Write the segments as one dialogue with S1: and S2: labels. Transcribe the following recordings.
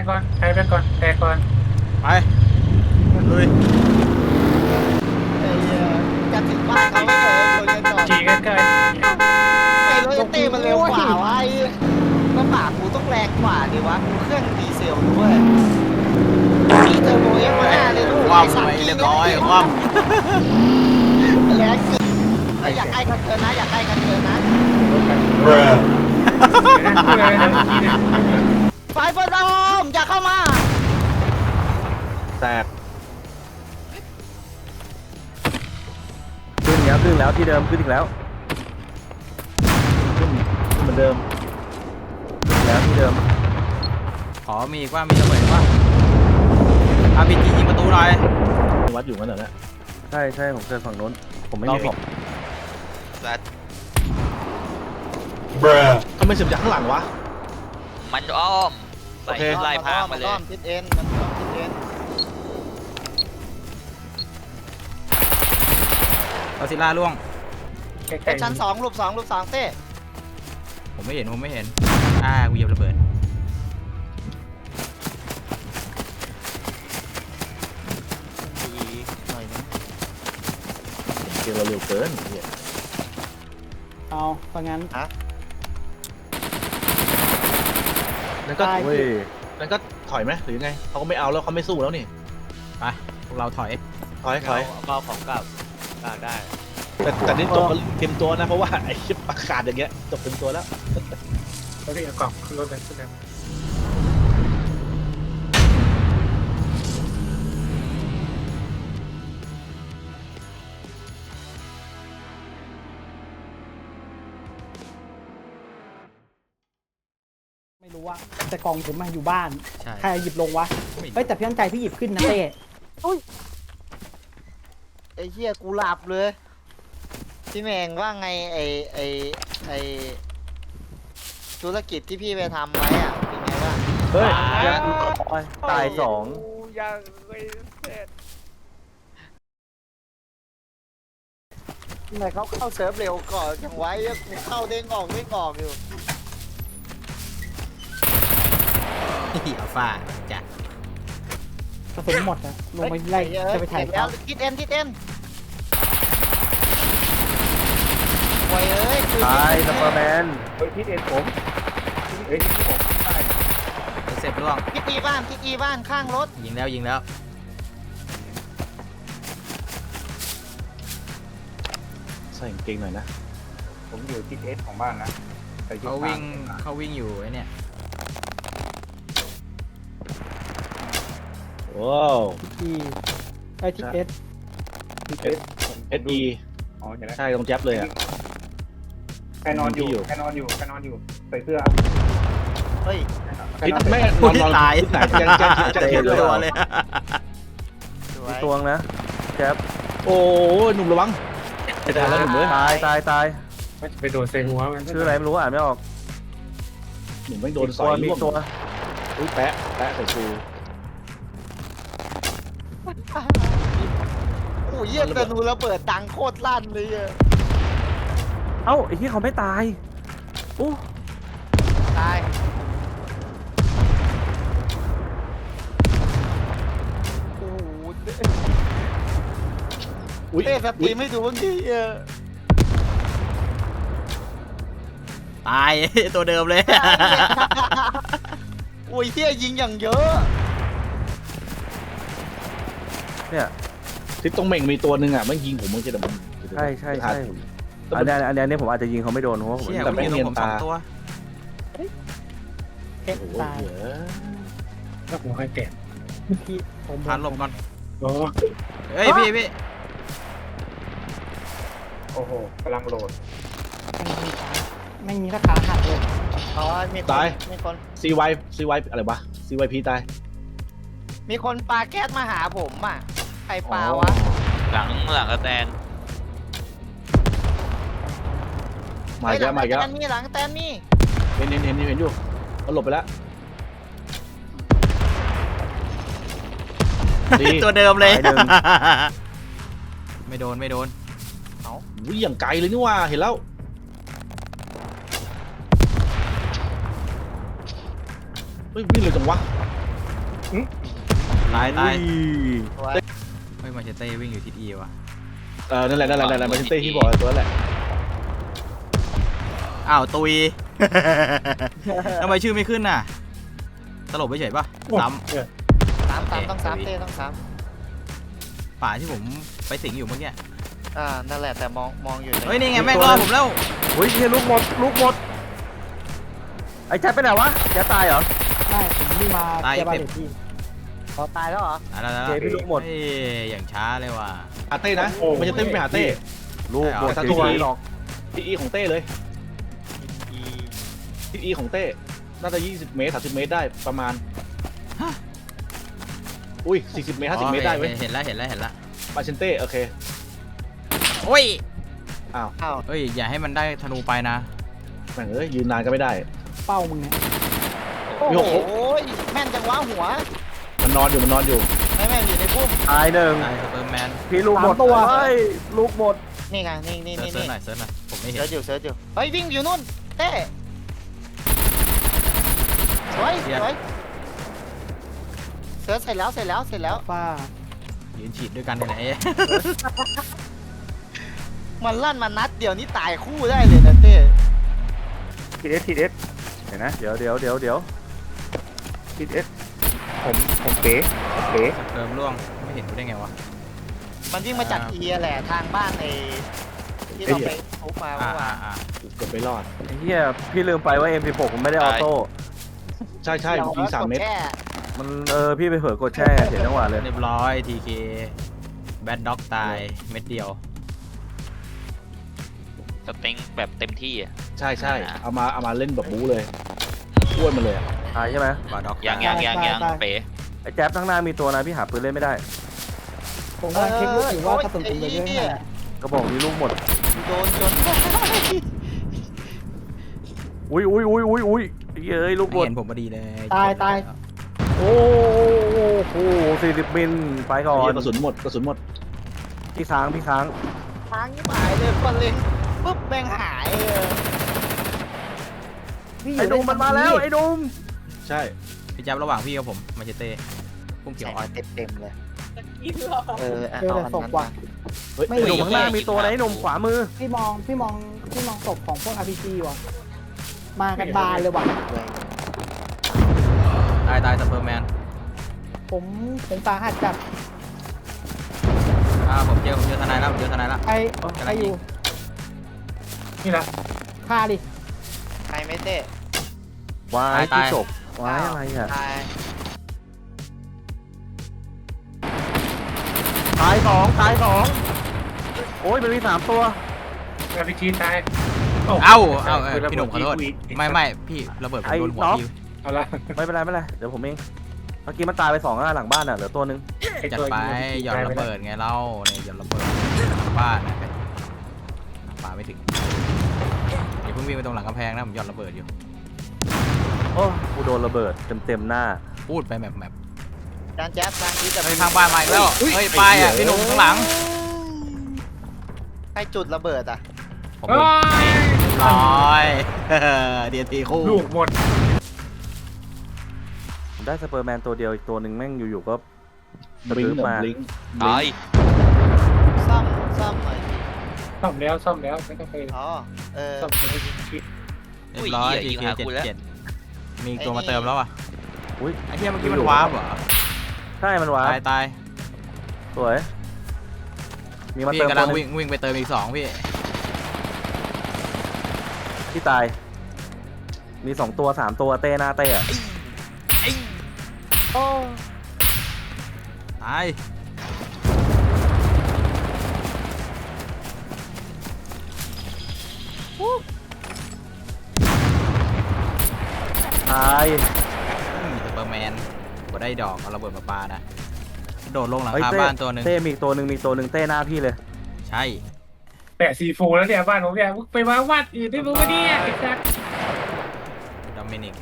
S1: ก่อนใช้ไปก่อนแต่ก่อน
S2: ไปลุย
S3: ไอ้เหี้ยจะถึงบ้านเขาไม่เจอคนจะจอด
S1: จีกันเกิน
S3: ไอ้รถเต้มันเร็วกว่าวะไอ้ก็ปากกูต้องแรงกว่าดิวะกูเครื่องดีเซลด้วยมีเทอร์โบเอ็กซ์มาหน้าเลยลูก
S2: คว่ำไปเรียบร้อยคว่
S3: แรงจริงอยากใกล้กันเกินนะอยากใกล้กันเกินนะไฟบอลโฮมอย่าเข้ามา
S4: แตกขึ้นแล้วที่เดิมขึ้นอีกแล้วขึ้นเหมือนเดิมขึ้นแล้วที่เดิม
S2: ำขอมีอีกว่ามีระเบิดว่าอาพีจียิงประตูหน่อย
S4: วัดอยู่งั้นเหรอเนี่ยใช่ผมเจอฝั่งโน้นผมไม่มีของ
S2: สัตว์
S4: ทำไมเสียบจากข้างหลังวะ
S5: มันอ้อม
S4: โอเค
S5: ไล่พางมาเลย
S3: อ้อมทิศเอ็นมันอ้อมทิศเอ็น
S2: เอาซิล่าล่วง
S3: ชั้น2รูป2เต้
S2: ผมไม่เห็นกูเหยียบระเบิด
S3: หน่อยนึง
S4: เกมเราเร็วเกินเนี่ย
S6: เอาเพราะงั้น
S4: นั่นก็
S6: ได้
S4: เว้ยนั่นก็ถอยไหมหรือยังไงเขาก็ไม่เอาแล้วเขาไม่สู้แล้วนี่
S2: ไปพวกเราถอย
S4: ถอย
S5: เอาของกลับได้
S4: แต่นี่จบกันเต็มตัวนะเพราะว่าไอ้ชิปประกาศอย่างเงี้ยจบเต็มตัวแล้ว
S1: แล้วพี่เอากล่องขึ้นรถเลยขึ้นเลย
S6: ไม่รู้ว่าแต่กล่องผมมาอยู่บ้าน
S2: ใช่
S6: ใครหยิบลงวะ
S2: ไม่
S6: เฮ้ยแต่พี่ตั้งใจพี่หยิบขึ้นนะเต้
S3: ไอ้เหี้ยกูหลับเลยพี่แมงว่าไงไอธุรกิจที่พี่ไปทำไว้อะเป็นไงบ้าง
S4: เฮ้ยตายสอง
S1: ยังไม่เสร็จ
S3: ทำไมเขาเข้าเซิร์ฟเร็วก่อนอย่างไว้อะกูเข้าเด้งออกอยู่
S2: อัลฟาจ้ะ
S6: กระสุนหมดนะลงไปไล่จะไปถ่าย
S3: แล้
S6: เขา
S3: วทิศเอ็นโว้ยเอ้ยคือ
S4: ตายซัปเปอร์แมน
S1: เฮ้ยพี่เอ็นผมเฮ้ยพี่ผมได้
S2: เสร็จล่วง
S3: ทิศอีบ้านข้างรถ
S2: ยิงแล้ว
S4: ใส่กางเกงหน่อยนะ
S1: ผมอยู่ที่เอสของบ้านนะแต่อยู่
S2: เขาวิ่งอยู่ไอ้เนี่ย
S4: ว้าว
S6: ที่ไอทีเอส
S1: เอส
S4: SE
S1: อ๋อเห็นแล้ว
S4: ใช่ตรงแจ๊บเลยอ่ะ
S1: แค่นอนอยู่
S4: อยู่
S1: ใส่เสื้อ
S3: เฮ้ย
S4: นี่แม่น
S2: อุ้
S4: อน
S2: ย
S4: นอน
S2: ตาย
S4: ที่ไหนจะเห็นเลย
S2: ตัวเลย
S3: สวย
S4: ตวงนะแจ๊บโอ้หนุ่มระวังตายแล้วหนุ่มเว้ยตาย
S1: ไปโดนเซหัวมัน
S4: ชื่ออะไรไม่รู้อ่านไม่ออกหนุ่มแม่งโดนสอยมีตัวอุ้ยแปะใส่ชู
S3: โอ้ยเยี่ยมแต่นูระเบิดดังโคตรลั่นเลยอะ
S4: เอ้าไอ้ที่เขาไม่ตายอู้
S3: ตายโอ้โหเต้สตรีมไม่ดูบางทีอะ
S2: ตาย ตัวเดิมเลย
S3: โอ้ยเที่ยยิงอย่างเยอะ
S4: เนี่ยทิศตรงเหม่งมีตัวหนึ่งอ่ะมันยิงผมมันจะแต่มันใช่อันนี้ผมอาจจะยิงเขาไม่โดนเพราะผม
S2: เชี่ย
S4: แต่
S2: ผม
S4: ไม่
S2: ยิง
S4: เนียน
S2: ผม
S4: ตา
S2: 2 ตัว
S6: เอ็ก
S4: โอ้โห
S6: ตาย
S1: แล้วผมให้แกะ
S6: ที่ผม
S2: พานหลบก่อน
S1: โอ้
S2: เฮ้ยพี่
S1: โอ้โหกำลังโหลด
S6: ไม่มีราคาหักเลย
S3: อ๋อมีคน
S4: CY อะไรวะ CYP ตาย
S3: มีคนปาแก๊สมาหาผมอ่ะใครปาวะ
S5: หลังกระแตน
S4: มาอีกแล้ว
S3: หลังแตนนี่
S4: เห็นอยู่เขาหลบไปแล้วดี
S2: ตัวเดิมเลย
S4: ตายหนึ่ง
S2: ไม่โดน
S4: วิ่งอย่างไกลเลยนี่ว่าเห็นแล้วเฮ้ยวิ่งเลยจังวะ
S2: ตายตาย
S3: ตัว
S2: เฮ้ยมาเชเต้วิ่งอยู่ทิศอีว่ะ
S4: นั่นแหละมาชิเต้ที่บอกตัวนั่นแหละ
S2: อ้าวตุย ทำไมชื่อไม่ขึ้นน่ะตลบไปเฉยปะซ้
S3: สามต้องสามเต้ต้องสาม
S2: ำป่าที่ผมไปสิงอยู่เมื่อกี้
S3: นั่นแหละแต่มองอยู่
S2: เฮ้ยนี่ไงแม่งรอผมแล้ว
S4: เฮ้ยเฮียลูกหมดไอ้แจ๊บไปไหนวะแจ๊บตายเหรอ
S6: ใช่ผมวิ่งมาเก็บบ้านเด็กพี่
S3: เขาตายแล้วเหรอ
S2: อะไรแล้ว
S4: เจ๊พี่ลูกหมด
S2: เฮ้ยอย่างช้าเลยว่ะ
S4: หาเต้นะมันจะเต้ไปหาเต้
S2: ลูกหมด
S4: แต่ตัวหรอกทีของเต้เลยทีของเต้น่าจะ20 เมตร30 เมตรได้ประมาณอุ้ย40 เมตร50 เมตรได้เว้ย
S2: เห็นแล้ว
S4: มาชิเต้โอเค
S2: โอ้ย
S3: อ้าว
S2: เฮ้ยอย่าให้มันได้ธนูไปนะ
S4: แม่งยืนนานก็ไม่ได้
S6: เป้ามึงเนี่ย
S3: โอ้โหแม่นจังวะหัว
S4: มันนอนอยู่
S3: ไม่แม่นอยู่ในพุ่ม
S4: ตายหนึ่ง
S2: ตายสเปอร์แมน
S4: พี่ลูกหมดเฮ้ยลูกหมด
S3: นี่ไงนี่
S2: เซิร์ชหน่อยผมไม่เห็น
S3: เสิร์ชอยู่เฮ้ยวิ่งอยู่นู่นเต้สวยเสิร์ชเสร็จแล้ว
S6: ฟ้า
S2: ยืนฉีดด้วยกันไหน
S3: มันลั่นมานัดเดียวนี่ตายคู่ได้เลยนะเต้
S4: ทีเอสเห็นนะเดี๋ยวทีเอสผมเป๋
S2: เติมล่วงไม่เห็นกูได้ไงวะ
S3: มันวิ่งมาจากเอียแหละทางบ้านในที่เราไปทุบมาเมื่อวาน
S4: เกือบไม่รอด
S7: ไอ้เหี้ยพี่ลืมไปว่า M16 ผมไม่ได้ออโต้
S4: ใช่ยิง3 เมตร
S7: มันพี่ไปเผลอกดแช่เสียจังหวะเลย
S2: เรียบร้อย TK แบดด็อกตายเม็ดเดียว
S5: สเต็งแบบเต็มที่อ่ะ
S4: ใช่เอามาเล่นแบบบู๊เลยอ้วนมาเลย
S7: ตายใช่ไหม
S2: บาด็อก
S5: ยังเป๋
S7: ไอ้แจ๊บข้างหน้ามีตัวนะพี่หาปืนเล่นไม่ได้
S6: ผมกำลังเช็คลูกอยู่ว่ากระสุนผมเหลือเยอะแค่ไหน
S7: ก็บอกมีลูกหมด
S3: โดน
S7: อุ้ยเย้ยลูกหม
S2: ไม่
S7: ด
S2: เห็นผมพอดีเลย
S6: ตาย
S7: โอ้โห40 มิลไปก่อน
S4: กระสุนหมด
S7: พี่ค้าง
S3: ทางที่หายเลยคนเล็งปุ๊บแม่งหาย
S6: พี่อ
S7: ไอ้
S6: ยู่
S7: ดุมมันมาแล้วไอ้ดุม
S4: ใช่
S2: พี่จับระหว่างพี่กับผมมาเชเต้พุ่มเขียวอ่อน
S3: เต็มเลย
S6: เจอแต่ศพว่ะ ไม่
S7: ไอ้ดุมข้างหน้ามีตัวนะไอ้ดุมขวามือ
S6: พี่มองศพของพวก RPG ว่ะมากันบานเลยว่ะ
S2: ตายสเปอร์แมน
S6: ผมสาหัสจัด
S2: ผมเจอทนายแล้ว
S6: ใครอยู่
S1: นี่ละ
S6: ฆ่าดิ
S3: ใครไม่เต้
S7: วายที่จบวายอะไรอ่ะ
S3: ตาย
S7: ตายสองโอ้ยมันมี3ตัว
S1: แล้วพี่ชีตาย
S2: เอ้าพี่หนุ่มขอโทษไม่พี่ระเบิดผมโดนหัวพี่
S1: เอาละ
S7: ไม่เป็นไรเดี๋ยวผมเองเมื่อกี้มันตายไป2หลังบ้านอ่ะเหลือตัวนึง
S2: จัดไปหย่อนระเบิดไงเล่าเนี่ยหย่อนระเบิดบ้านนะป่าไม่ถึงอย่าเพิ่งวิ่งไปตรงหลังกำแพงนะผมหย่อนระเบิดอยู่
S7: โอ้กูโดนระเบิดเต็มหน้า
S2: พูดไปแมป
S3: จานแจ๊บจานนี้จะ
S2: เฮ้ยข้างบ้านมาอีกแล้วเฮ้ยไปอ่ะพี่หนุ่มข้างหลัง
S3: ใครจุดระเบิดอ่ะ
S2: ผมร้อยเดียนตีคู่
S1: ลูกหมด
S7: ผมได้สเปอร์แมนตัวเดียวอีกตัวหนึ่งแม่งอยู่ๆก็
S4: บลิง
S7: มา
S5: ตาย
S3: ซ่อมหน่อย
S1: ซ่อมแล้วไม่ต้องไป
S3: อ๋อ
S1: ซ่อมไปคิด
S2: เรียบร้อย
S5: ยิง
S2: TK
S5: หากูแล้ว
S2: 77มีอีกตัวมาเติมแล้วอ่ะ
S7: อุ้ย
S2: ไอ้เหี้ยเมื่อกี้มันวาร์ปเหรอ
S7: ใช่มันวา
S2: ตาย
S7: สวยมีมา
S2: พี่
S7: เติม
S2: กำลัง
S7: ตัวห
S2: วิ่
S7: นึ่
S2: ง
S7: ง
S2: วิ่งไปเติมอีก2พี่
S7: ที่ตายมี2ตัว3ตัวเต้หน้าเต้อะ
S3: โอ้
S2: ตาย
S7: ตาย
S2: สเปอร์แมนบ่ได้ดอกเอาระเบิดมาปานะโดดลงหลัง
S7: เฮ้ย
S2: คา
S7: เต้
S2: บ้านตัวหนึ่ง
S7: เต้มีอีกตัวหนึ่งเต้หน้าพี่เลย
S2: ใช่
S1: แปะซีโฟแล้วเนี่ยบ้านผมเนี่ยไปวางวัดอื่นได้รู้ปะเนี่ยไอ้สัส
S2: ดอมินิก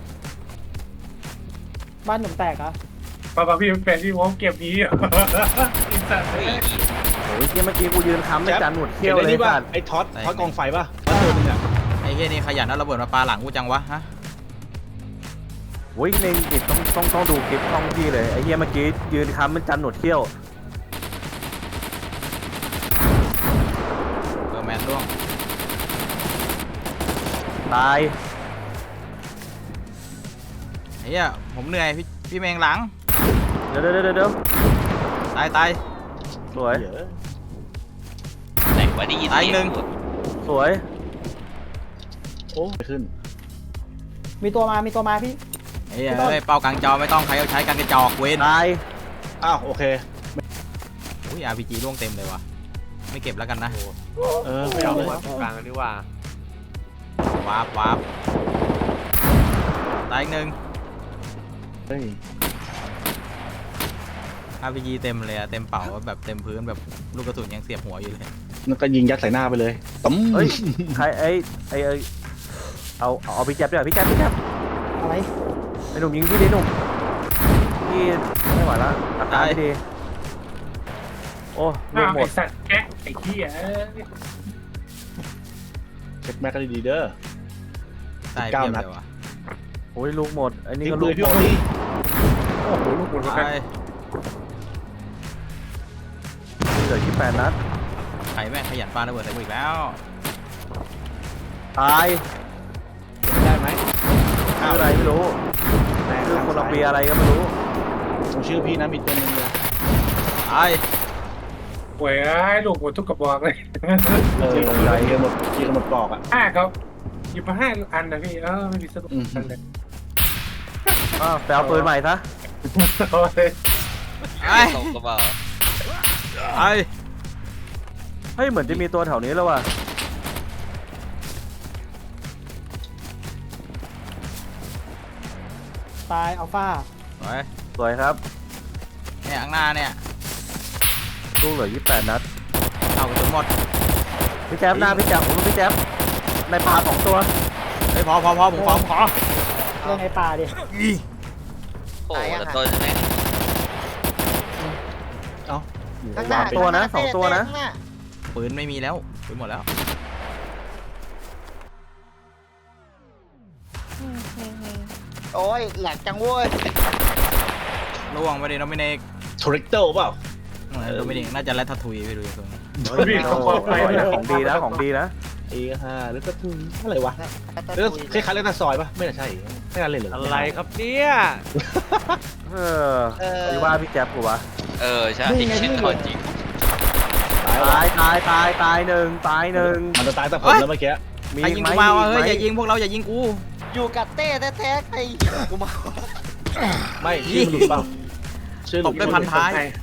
S6: บ้านหนุ่มแตกเหรอ
S1: ป้าพี่แปะซีโฟเก็บนี้เหรอไอ้สัส
S5: เฮ้ย
S7: โอ้ยเมื่อกี้กูยืนค้ำในจานหนวดเขี้ยวเลย
S4: นี่ป่ะ
S7: สัตว์
S4: ไอ้ท็อตกองไฟป่ะตัวนึงอ่ะ
S2: ไอ้เหี้ยนี่ขยันเอาระเบิดมาปาหลังกูจังวะฮะ
S7: โโอ้ยในจิตต้องดูคลิปช่องพี่เลยไอ้เฮียเมื่อกี้ยืนค้ำมันจันหนวดเขี้ยว
S2: แมนร่วง
S7: ตาย
S2: ไอ้เหี้ยผมเหนื่อยพี่เมงหลัง
S7: เดี๋ยว
S2: ตาย
S7: สวย
S4: เดี๋ยว
S5: ไหนวะได้ยิน
S2: ตาย
S5: เสีย
S2: หนึ่ง
S7: สวย
S4: โอ้ไม่ขึ้น
S6: มีตัวมาพี่
S2: ไอ้เหี้ยเอ้ยเป้ากลางจอไม่ต้องใครเอาใช้กันกระจอกเว้น
S7: ตาย
S4: อ้าวโอเค
S2: อุ้ย RPG ร่วงเต็มเลยวะไม่เก็บแล้วกันนะ
S4: ไม่เอาเลย
S8: กลางกันดีกว่า
S2: วาร์ปตายอีกหนึ่ง
S4: เฮ้ย
S2: RPG เต็มเลยอะเต็มเป่าแบบเต็มพื้นแบบลูกกระสุนยังเสียบหัวอยู่เลย
S4: นั่นก็ยิงยัดใส่หน้าไปเลยตั้ม
S7: เฮ้ยใครไอ้เอาพี่แจ๊บดีกว่าพี่แจ๊บ
S6: อะไร
S7: ไอ้หนุ่มยิงพี่ดิหนุ่มพี่ไม่ไหวละอาการไม่ดีโอ้ลู
S1: อ้าก ว
S7: หม
S1: ไอ้
S7: ด
S1: สัตว์แก๊กไอ้เหี้ย
S4: เช็คแม็กก็ดีๆเด้อ
S2: ตาย
S4: 19
S2: เพียบ
S4: นัด
S2: เลยวะ
S7: โอ้ยลูกหมดไอ้นี่
S4: ทิ้ง
S7: ก็
S4: ปื
S7: ลู
S4: น
S7: ก
S4: พี่
S7: หม
S4: ค
S7: ด
S4: นนี้
S1: โอ้โหลูกหมดแล้ว
S2: ตา
S1: กัน
S2: ย
S7: เหลือ28 นัด
S2: ใครแม่งขยันปาระเบิดใส่กูอีกแล้ว
S7: ตาย
S4: ได้ไหม
S7: ชื่ออะไรไม่รู้ชื่อโคลัมเบียอะไรก็ไม่รู้
S4: ผมชื่อพี่นะมีตัวนึงเลย
S2: ตาย
S1: โอ้ยไอ้ลูกหมดทุกกระบอกเลย
S4: ยิงหมดปลอกอ่ะ
S1: เขาหยิบมา5 อันนะพี่ไม่มีสรุปอันเลย
S7: ไปเอาปืนใหม่ซะ
S1: โอ้ย
S2: ไอ้
S5: ตกกระเป๋า
S2: ไอ้
S7: เฮ้ยเหมือนจะมีตัวแถวนี้แล้วว่ะ
S6: ตายอัลฟา
S2: สวย
S7: สวยครับ
S2: เนี่ยข้างหน้าเนี่ย
S7: ลูกเหลือ28 นัด
S2: เอากระสุนหมด
S7: พี่แจ๊บหน้าพี่แจ๊บผมพี่แจ๊บในป่า2 ตัว
S2: เฮ้ยพอผมขอ
S6: เล่นในป่าดิ
S5: โอ้แต่ตัวนึงเนี่ย
S3: ข้างหน้า
S7: ตัวนะสองตัวนะ
S3: ข้างหา
S2: ปืนไม่มีแล้วปืนหมดแล้ว
S3: โอ้ยแหลกจังเว้ย
S2: ล่วงไปดิโนมิเนก
S4: ทริกเตอร์เปล่า
S2: โนมิเนกน่าจะแรดทัทุยไปดูตรงนี้
S1: พี่เขาบอกไปนะ
S7: ของดีนะของดีนะ
S4: A5 หรือก็ทุนอะไรวะเรื่องคล้ายๆเล่นหน้าซอยปะไม่น่าใช่ไม่น่าเล่นเลย
S8: อะไรครับเนี่ย
S7: เออพี่ว่าพี่แจ๊บกูวะ
S5: ใช่ชื่อคนจริง
S7: ตายหนึ่ง
S4: มันจะตายแต่ผมแล้วเมื่อกี้
S2: ใครยิงกูมาวะเฮ้ยอย่ายิงพวกเราอย่ายิงกู
S3: อยู่กับเต้แท้ๆใครกูมา
S4: ไม่ชื่อมันหลุดเปล่าชื่อห
S2: ต
S4: ลุ
S2: บ
S4: ด
S2: ด้วยพันท้าย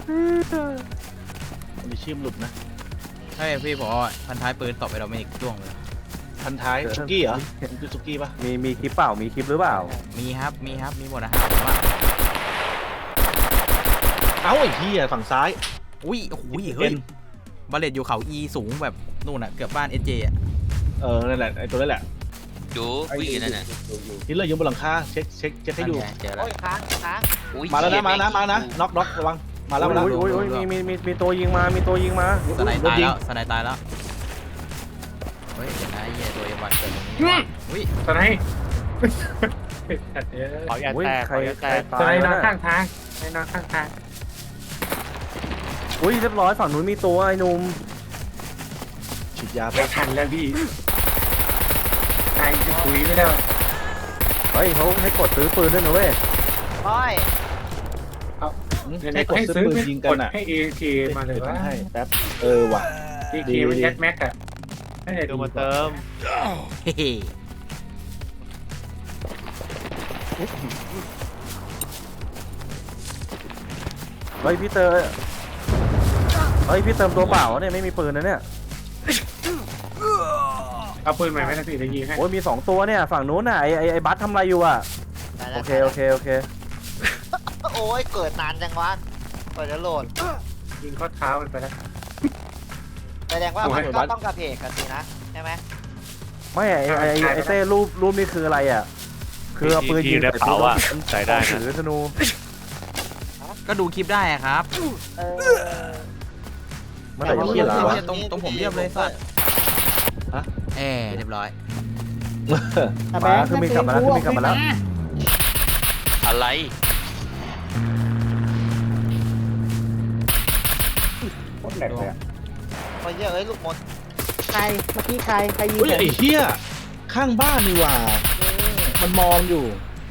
S4: มีชื่อมันหลุดนะ
S2: เฮ้ยพี่ผมพันท้ายปืนตบไปโนมิเนกล่วงเลย
S4: พันท้ายซุกี้เหรอมันคือซุกี้ปะ
S7: มีคลิปเปล่ามีคลิปหรือเปล่า
S2: มีครับมีหมดนะครับผมว่า
S4: เอ้าไอ้เหี้ยฝั่งซ้าย
S2: อุ้ยโอ้โหเฮ้ยบาเลตอยู่เขา E สูงแบบนู่นอ่ะเกือบบ้าน SJ อ่ะ
S4: นั่นแหละไอ้ตัวนั่นแหละ
S5: ดูวิ่งอยู่นั่นน่ะ
S4: ที่เลยอยู่บนหลังคาเช็คให้ดู
S2: เจอแล้ว
S3: โอ้ยค้าง
S5: อุ๊ย
S4: มาแล้วนะ
S5: เหี้ย
S4: มานะ
S5: แง
S4: มานะน็อกระวังมาแล้ว
S7: อุ้ยมีตัวยิงมา
S2: สไนตายแล้วสไนตายแล้วเฮ้ยเดี๋ยวนะไอ้เหี้ยตัวเอวันเกิดตรงนี้อุ้ย
S1: ตอนไหน
S8: ขออย่า
S7: อุ้ย
S8: แตก
S7: ใค
S8: ข
S7: ร
S8: ออย่าแตก
S1: ตอนไหน
S7: ตาย
S1: นอน
S7: นะ
S1: ข้างทางไอ้นอนข้างทาง
S7: อุ้ยเรียบร้อยฝั่งนู้นมีตัวไอ้หนุ่ม
S4: ฉีดยาไป
S1: ไม่ทันแล้วพี่ตายจะคุยไม่ได้
S7: เฮ้ยเขาให้กดซื้อปืนด้วยนะเว้ย
S3: โอ้ย
S4: ให้กดซื้อปืนยิงกันอ่ะ
S1: ให้ AK มาเลยว่า
S4: ให้แป๊บว่ะ
S1: AK มันยัดแม็กอะให้
S8: เดี๋ยวมาเติม
S2: เฮ้ย
S7: เฮ้ยพี่เติมตัวเปล่าเนี่ยไม่มีปืนนะเนี่ย
S1: เอาปืนใหม่ไหมนะพี่จะยิงให้
S7: โอ้ยมี2 ตัวเนี่ยฝั่งนู้นน่ะไอ้บัสทำอะไรอยู่อ่ะโอเค
S3: โอ้ยเกิดนานจังวะเปิดจะโหลด
S1: ยิงข้อเท้ามันไปแล้ว
S3: แสดงว่ามันก็ต้องกระเพกกันสินะใช่ไหม
S7: ไม่ไอ้เต้รูปนี่คืออะไรอ่ะคือเอาปืนยิง
S8: ในเป๋าอ่ะใส่ได้นะ
S7: ถือธนู
S2: ก็ดูคลิปได้อะครับ
S3: เออ
S7: เมื่อไหร่จะเขียน
S2: ไอ้
S7: วะ
S2: เหี้ยตรงผมเรียบเลยสัตว์เรียบร้อย
S6: แต่แบงค์
S7: ขึ้นมีกลับมาแล้ว
S5: อะไร
S1: โคตรแหลกเลยอะ
S3: ไปเยอะเอ้ยลูกมด
S6: ใครเมื่อกี้ใครยิง
S4: เฮ้ย
S6: ผม
S4: ไอ้เหี้ยข้างบ้านนี่หว่า มันมองอยู่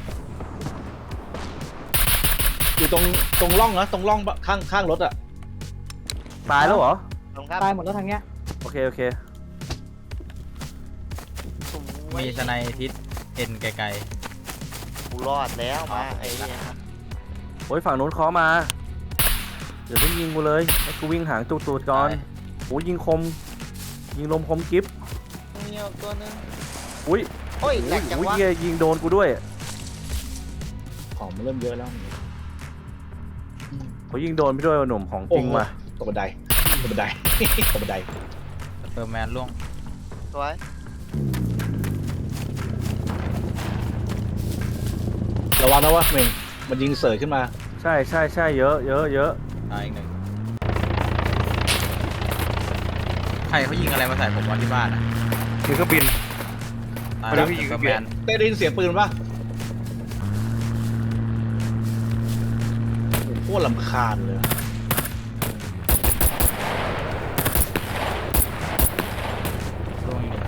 S4: อยู่ตรงร่องนะตรงร่องข้างรถอะ
S7: ตายแล้วเหรอ
S3: ลงครับ
S6: ตายหมดแล้วทางเนี้ย
S7: โอเคโอเค
S2: มีสไนทิศเอ็นไกล
S3: กูรอดแล้วมาไอ้เนี่ย
S7: โอ้ยฝั่งนู้นเคาะมา เดี๋ยวเพิ่งยิงกูเลยให้กูวิ่งหางตูด
S2: ๆ
S7: ก่อน
S2: ตาย
S7: โอ้ยยิงคม ยิงลมคมกิฟ
S3: มีเอาตัวนึง
S7: อุ้ย
S3: โอ้ยแหลกจัง
S7: อุ้ยว
S3: ะ
S7: เหี้ยยิงโดนกูด้วย
S4: ของมันเริ่มเยอะแล้ว
S7: เขายิงโดนพี่ด้วยว่ะหนุ่มของจริงว่ะ
S4: ตกบันไดตกบันได ตกบันได
S2: สเปอร์แมนล่วง
S3: สวย
S4: ระวังนะว่าเมงมันยิงเสยขึ้นมา
S7: ใช่เยอะ
S2: ตายอีกหนึ่งใครเขายิงอะไรมาใส่ผมวันที่บ้านอ่ะ
S1: มีเครื่องบิน
S2: ตายแล้ว
S1: ไม่ได้ยิง
S2: สเปอร์แมน
S4: เต้ได้ยินเสียงปืนปะโอ้โหโคตรลำคาญเลย
S2: ล่วงอีกหนึ่ง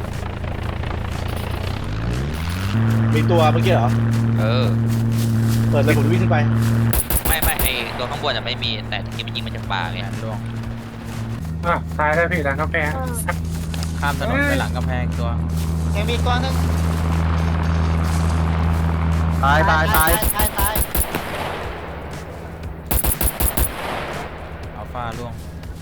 S4: มีตัวเมื่อกี้เหรอ
S5: เออ
S4: เปิดเลยผมวิ่งขึ้นไป
S5: ไม่ไอตัวข้างบนอะไม่มีแต่ที่มันยิงมาจากป่า
S2: แม
S5: ไง
S2: นล่วง
S1: อ่ะตายได้พี่หลังกาแฟ
S2: ข้ามถนนไปหลังกำแพงตัว
S3: ยังมีตัวนึง
S7: ตาย
S3: ตาย
S2: อัลฟาล่วง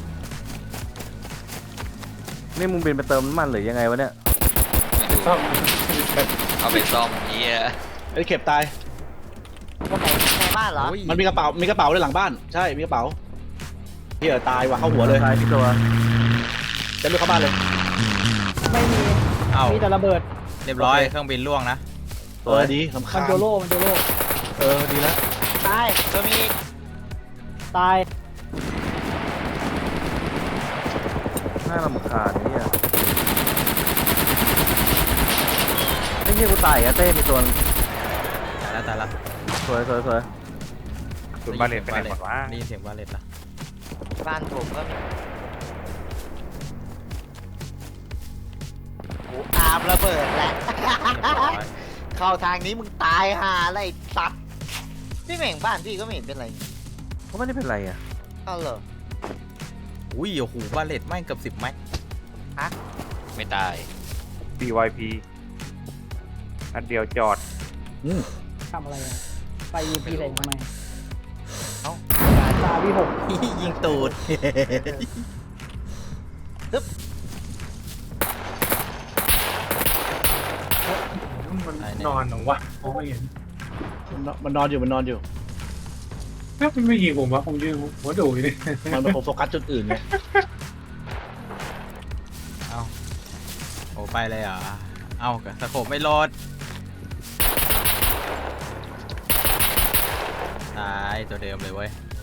S7: นี่มึงบินไปเติมน้ำมันหรือยังไงวะเนี่ย
S5: ไม่รู้
S1: ซ่อม
S5: เอาไปซ่อมเฮีย
S4: ไอ้เข็บตาย
S3: คนไหนในบ้านเหรอ
S2: โอ้ย
S4: มันมีกระเป๋าด้วยหลังบ้าน ใช่ มีกระเป๋าเฮียตายว่ะเข้าหัวเลย
S7: ตายพี่ตัว
S4: จะลุกเข้าบ้านเลย
S6: ไม่มี
S2: เอ้า
S6: มีแต่ระเบิด
S2: เรียบร้อยเครื่องบินล่วงนะ
S4: เออดีลำ
S6: มั
S4: คาน ญ
S6: โจโล่
S4: เออดีแล้ว
S3: ตายตัวมีอีก
S6: ตาย
S7: น่ารำคาญเนี่ยไอ้เหี้ยกูตายอ่ะเต้มีตัว
S2: ตายแล้ว
S7: สวย
S1: คุณบาเลตไปไหนหมดวะ
S2: ได้ยินเสียงบาเลตละ
S3: บ้านผมก็มีกูอาบระเบิดแล้ว
S2: เรียบร้อย
S3: เข้าทางนี้มึงตายห่าอะไรสัตว์พี่เหม่งบ้านพี่ก็ไม่เห็นเป็นไร
S7: เขาไม่ได้เป็นไรอ่ะ
S3: เอาเหรอ
S2: อุ้ยโอ้โหบาเลตไม่งเกือบ10 แม็ก
S5: ไม่ตาย
S1: BYP อันเดียวจอด
S6: ทำอะไรอะไปยิงพีอะไรทำไม
S3: เอ้า
S6: ตาพี่หก
S2: ยิงตูด
S1: มันนอนเหรอวะมองไม่เห็น
S4: มันนอนอยู่
S1: ถ้ามันไม่ยิงผมวะผมยืนหัวดูอยู่นี่
S4: มันโฟกัสจุดอื่นไง
S2: เอาโอ้ไปเลยเหรอเอาสโคปไม่โหลดตายตัวเดิมเลยเว้ย